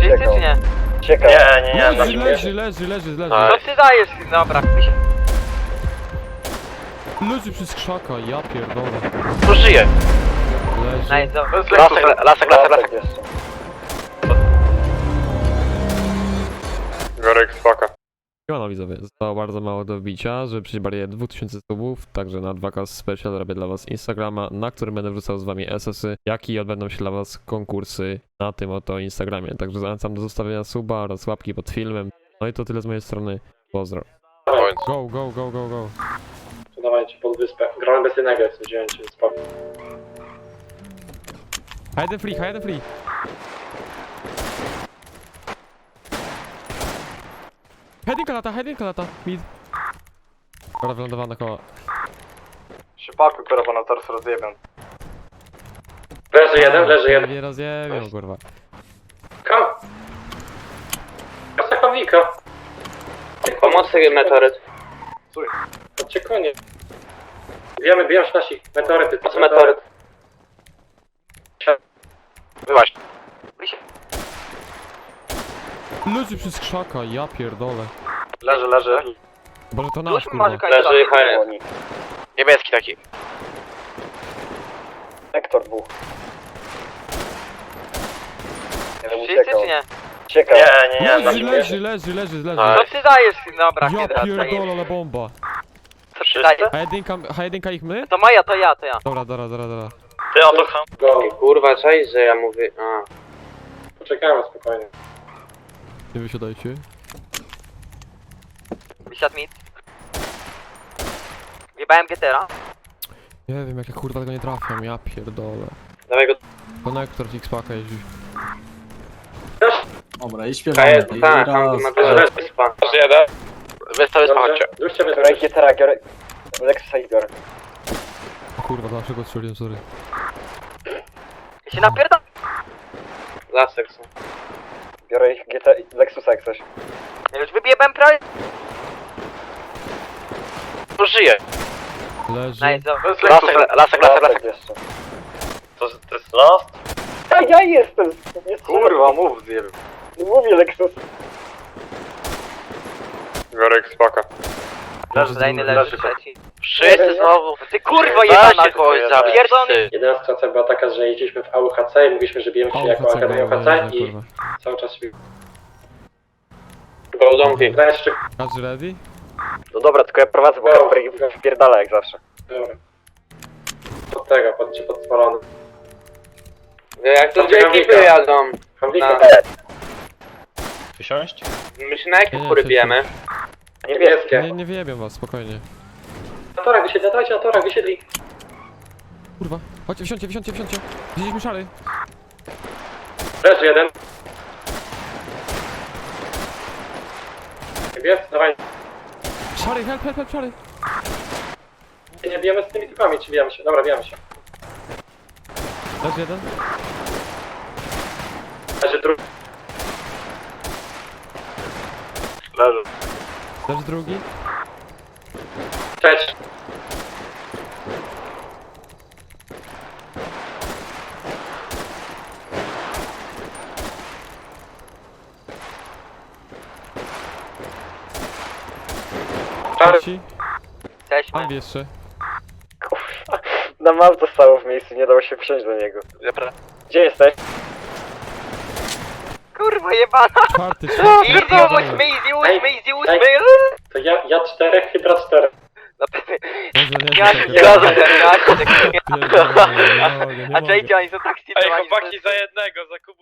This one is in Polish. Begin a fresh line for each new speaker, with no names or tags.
Wszyscy czy nie?
Ciekawe.
Leży.
Co ty dajesz? Dobra.
Leży przez krzaka, ja pierdolę.
Tu żyje.
Leży.
Nice, dobra.
Lasek jeszcze.
Gorek spaka.
Siemano widzowie, zostało bardzo mało do wbicia, żeby przyjść barierę 2000 subów, także na 2K Special robię dla was Instagrama, na którym będę wrzucał z wami SS-y, jak i odbędą się dla was konkursy na tym oto Instagramie, także zachęcam do zostawienia suba oraz łapki pod filmem. No i to tyle z mojej strony, pozdro. Go.
Dawajcie pod wyspę. Grałem bez jednego, jak wziąłem cię, spoko.
Hide and free. Headinga lata, mid. Dobra, wylądowana koła.
Szypaku, kurwa, na tors rozjebem. Leży jeden.
Nie rozjebią, kurwa.
Kam? Kasa kamika.
Pomocy meteoryt.
Chodźcie konie. Bijamy nasi meteoryty.
Po co meteoryt? Wyłaź.
Leży przez krzaka, ja pierdolę.
Leży.
Boże to nasz,
Już
kurwa.
może kończyć.
Leży HN. Niebieski taki. Hektor dwóch.
Wszyscy czy nie?
Ciekawe.
Leży.
Co ty dajesz? Dobra,
Ja
hydra,
pierdolę, ale bomba.
co ty dajesz?
H1 ich my?
To moja, to ja.
Dobra.
Ty o to ham.
Go.
Kurwa, cześć, że ja mówię.
Poczekajmy spokojnie.
Nie wysiadajcie.
Wysiadł mit. Wjebałem Getera.
Nie wiem jak ja kurwa tego nie trafiam, ja pierdolę.
Dawaj go.
Konektor X-Paka jeździ.
Dobra, i śpiewamy. I
Tak,
raz.
wyspa.
Jeden.
Wyspa, chodźcie.
Duszcie mnie
Biorę Gietera, biorę... Lexusa i biorę.
O kurwa, dlaczego strzeliłem, sorry.
Ja się napierdam.
Lasek są.
Biorę ich Lexusa jak coś.
Ja już wybiebałem prawie.
Tu żyje.
Leży.
Nice, dobra.
Lasek.
jeszcze.
To jest last?
Ja jestem!
Kurwa, mów zjeb.
Mówię Lexus.
Gorek spaka.
Kolejny leży, trzeci.
Wszyscy znowu.
Ty kurwa
Weźcie
jebana,
kogoś zabić.
pierdolony.
Jedyna sytuacja była taka, że jeździliśmy w AUHC i mówiliśmy, że bijemy się jako Akademia AUHC i cały czas się
Go domki.
jeszcze.
Każdy ready?
No dobra, tylko ja prowadzę, bo Kasper ich wpierdala jak zawsze.
Dobra. Pod tego, pod spalony.
Jak to dwie ekipy jadą?
Hamlika.
Wysiąść?
My się na jakie kury bijemy?
Niebieskie.
Nie wyjebię was, spokojnie.
Na torach wysiedli, dawajcie na torach wysiedli.
Kurwa, chodźcie, wsiądźcie. Widzieliśmy szary.
Leży jeden. Niebiescy, dawaj.
Szary, help, szary.
Nie bijemy z tymi typami, czy bijemy się? Dobra, bijemy się.
Leży jeden.
Leży drugi.
Leży drugi.
Trzeci. Czary.
Trzeci.
Jesteśmy.
Mam jeszcze.
Na map zostało w miejscu, nie dało się wsiąść do niego. Gdzie jesteś?
Kurwa jebana.
Czwarty,
Easy 8.
To ja 4, Hydra 4.
Ja się
Nie
zgadzam,
mogę,
A
nie mogę.
JJ, oni są tak
Ej,
stylowani.
chłopaki za jednego, za Kubu.